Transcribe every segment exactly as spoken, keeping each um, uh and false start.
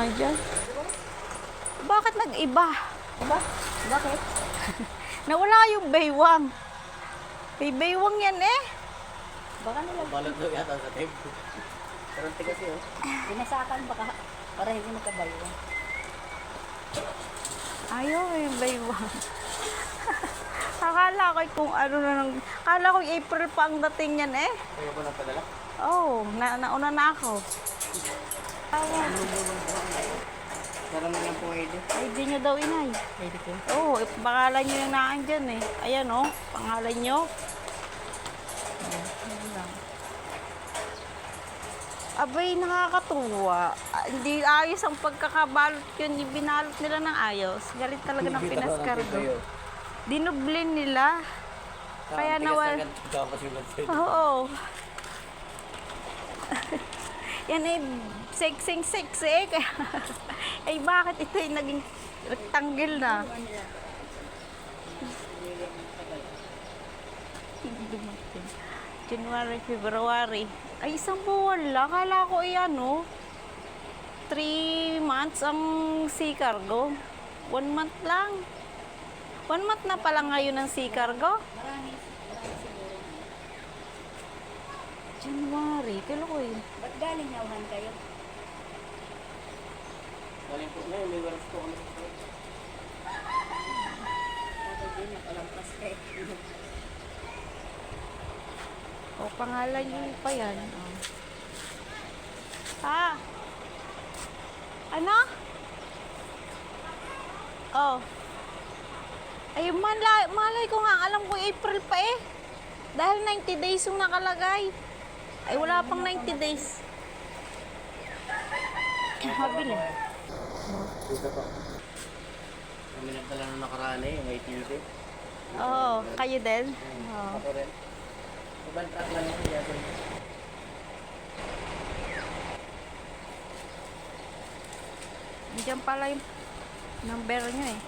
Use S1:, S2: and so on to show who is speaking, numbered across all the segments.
S1: nga dyan. Bakit nag-iba?
S2: Diba? Bakit?
S1: Nawala yung baywang. May baywang yan eh.
S2: Baka nila.
S3: Balot daw yata sa tape. Pero ang tigas yun.
S2: Binasakan baka para hindi magkabayo.
S1: Ayaw yung baywang. Akala ko kung ano na nang... Akala ko April pa ang dating yan eh.
S3: Kaya ba nagpadala?
S1: Oo, oh, na nauna na ako. Awan.
S3: Sarang na lang po I D.
S1: I D nyo daw, inay.
S3: I D ko.
S1: Oo, oh, pangalan nyo yung naan dyan eh. Ayan oh, pangalan nyo. Ayan lang. Abay, nakakatuwa. Ah, hindi ayos ang pagkakabalot yun. Binalot nila ng ayos. Galit talaga ng pinaskargo. Dinublin nila. Kaya nawal. Oo. Yan eh, seksing seksik. Eh, bakit ito yung naging rectangle na? Dumating. January, February. Ay, isang buwan lang. Akala ko yan, no? Three months ang sea cargo. One month lang. One month na pala ngayon ang sea cargo.
S2: Marami. Marami siguro.
S1: January. Kailan ko yun?
S2: Ba't galing nauhan kayo?
S3: Galing po na yun. May waras po kami.
S2: Dapat din nakalampas kayo.
S1: O, pangalan nyo pa yan. Oh. Ah. Ano? Oh. Ay, malay, malay ko nga. Alam ko April pa eh. Dahil ninety days yung nakalagay. Ay, wala pang ninety days. Mabili.
S3: Dito po. Kami nagdala nung nakaraan eh. Yung eighty.
S1: Oo, kayo din? Oo.
S3: Ako rin. Ibang truck lang yung siya.
S1: Diyan pala yung number nyo eh.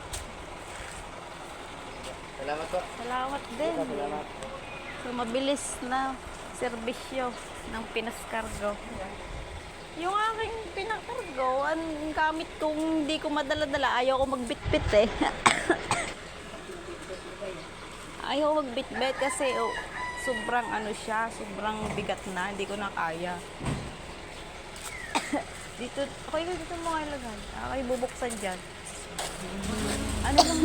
S3: Salamat po.
S1: Salamat din.
S3: Salamat.
S1: So, mabilis na serbisyo ng pinaskargo. Yung aking pinakargo, ang gamit kong hindi ko madala-dala, ayaw ko magbitbit eh. Ayaw ko magbitbit kasi oh, sobrang ano siya, sobrang bigat na, hindi ko na kaya. Dito, okay ka dito mo kayo lagay. Okay, bubuksan dyan. Ano lang?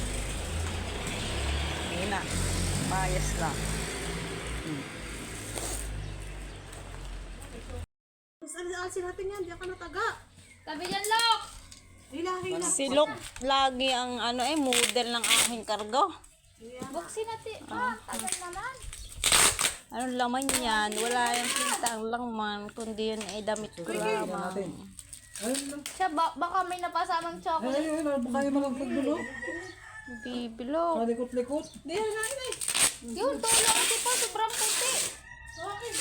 S1: Hindi na. Mayas lang. Hmm.
S4: Alisin natin yan, diyan ka nataga.
S2: Tabi dyan, Lok!
S4: Nilahin na.
S1: Si Luke lagi ang ano eh, model ng aking kargo.
S2: Buksin natin. Ah, tagal naman.
S1: Anong laman yan? Wala yung pinta ang laman, kundi yun ay damit ko lamang.
S2: Siya, ba baka may napasamang chocolate.
S5: Ay, ay, baka yung mga pagdulo.
S1: Bibilo.
S5: Malikot-likot.
S4: Di yan na yun eh.
S2: Yun, tulong ito po, sobrang puti.
S4: Okay.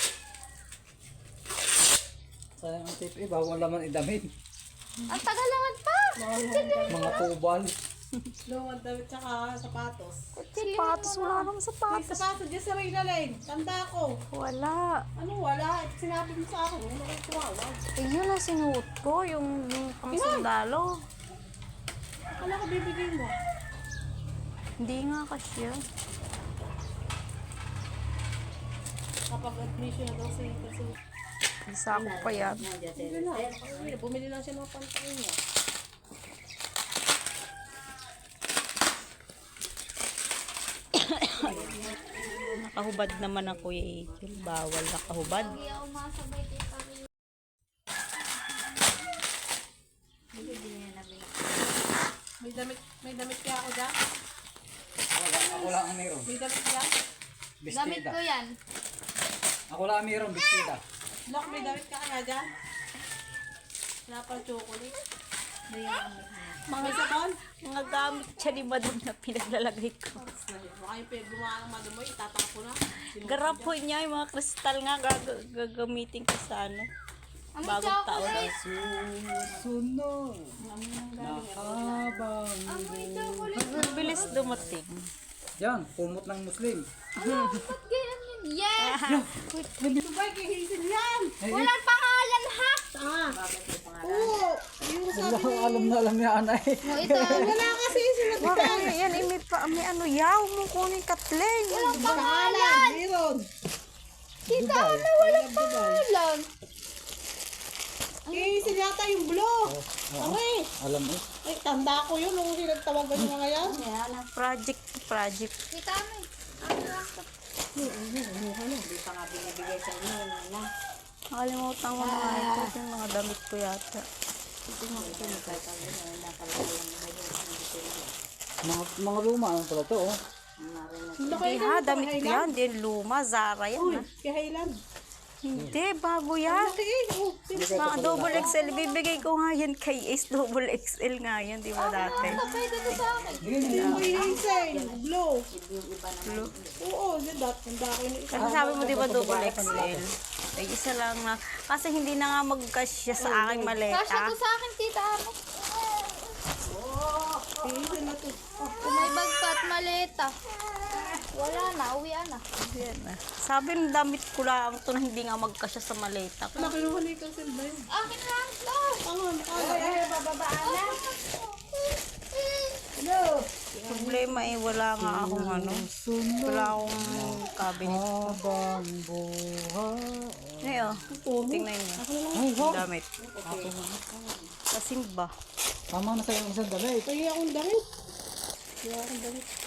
S5: Sayang ang tip eh, bawal naman idamit.
S2: Ang tagal naman pa.
S5: Mga tubal.
S4: Lumang damit tsaka sapatos.
S1: Sapatos, wala namang
S4: May
S1: sapatos.
S4: sapatos dyan sa Reyna Lane. Tanda ko.
S1: Wala.
S4: Ano wala? Sinabi mo sa akin. Ano kayo tumawag?
S1: Eh, yun ang sinuot ko, yung, yung pang sundalo.
S4: Akala ko bibigay mo.
S1: Hindi nga kasya.
S4: Kapag admission na daw si kasi
S1: Isa ko pa yan.
S4: bumili na. Bumili, bumili lang siya ng pantalon niya.
S1: Nakahubad naman ako eh. Bawal nakahubad.
S4: May damit, may damit kaya ako dyan?
S5: Ako lang ang mayroon.
S4: May damit kaya?
S2: Damit
S5: Bestida.
S2: ko yan.
S5: Ako lang ang mayroon, bestida.
S4: Lock, may damit ka kaya dyan? Wala pang chocolate.
S1: Mga sabon? Mga gamit siya ni Madam na pinaglalagay ko.
S4: Baka yung pwede gumawa ng madam mo, itatapo na.
S1: Garapon niya, yung mga kristal nga gag- gagamitin ko sa ano.
S2: Ano
S1: Bagong taon.
S2: chocolate?
S5: Susunod. Nakabang.
S2: Amoy chocolate.
S1: Ang bilis dumating.
S5: Yan, kumot ng Muslim.
S2: Ba't ganyan yun? Yes!
S4: Subay, kihisin yan!
S2: Walang pangalan ha!
S4: Ah, Oo. Yung sabi
S5: Wala, alam na alam niya, anay.
S2: O, ito.
S4: wala kasi sila
S1: Wag ano yan, eh, may, pa, may ano yaw mo kunin Kathleen.
S2: Walang
S4: pangalan.
S2: pangalan.
S4: Meron.
S2: Tita Ana, walang pangalan.
S4: Eh, sila yata yung blue. Okay.
S5: Alam eh.
S4: Ay, tanda ko yun nung sinagtawagan yung mga yan.
S1: Project, project.
S2: Tita Ana.
S1: Nakalimutan ko na nga ito. Ito yung mga damit ko yata.
S5: Mga, mga luma, ano pala to, oh.
S1: Hindi ha, damit ko yan. Hindi luma, Zara yan ha.
S4: Kay Highland.
S1: Hindi, bago yan.
S4: Laki eh. Oh,
S1: Mga double X L, bibigay ko nga yan kay Ace. Double X L nga yan, di ba dati?
S2: Pwede to sa akin.
S4: yung may hazel. Blue. Blue. Oo, yun dat. Tanda ko yun.
S1: Kasi sabi mo di ba double X L? Ay, isa lang na. Kasi hindi na nga magkasya sa aking
S2: Kasya
S1: maleta.
S2: to sa akin, Tita Ana.
S4: Hazel na to.
S2: Kung may bag pa at maleta. Wala na, uwian na.
S1: Yan na. Sabi ng damit ko lang ito na hindi nga magkasya sa maleta.
S4: Wala, kinuha ni Hazel ba yun?
S2: Akin lang to.
S4: Tangan, ay, ay, bababaan na.
S1: Problema eh, wala nga akong ano. Wala akong cabinet.
S5: Habang buhay.
S1: Ngayon, tingnan niyo.
S5: Ay, wow.
S1: Damit. Kasimba.
S5: Tama na sa'yo ang isang damit.
S4: Kaya akong damit. Kaya akong damit.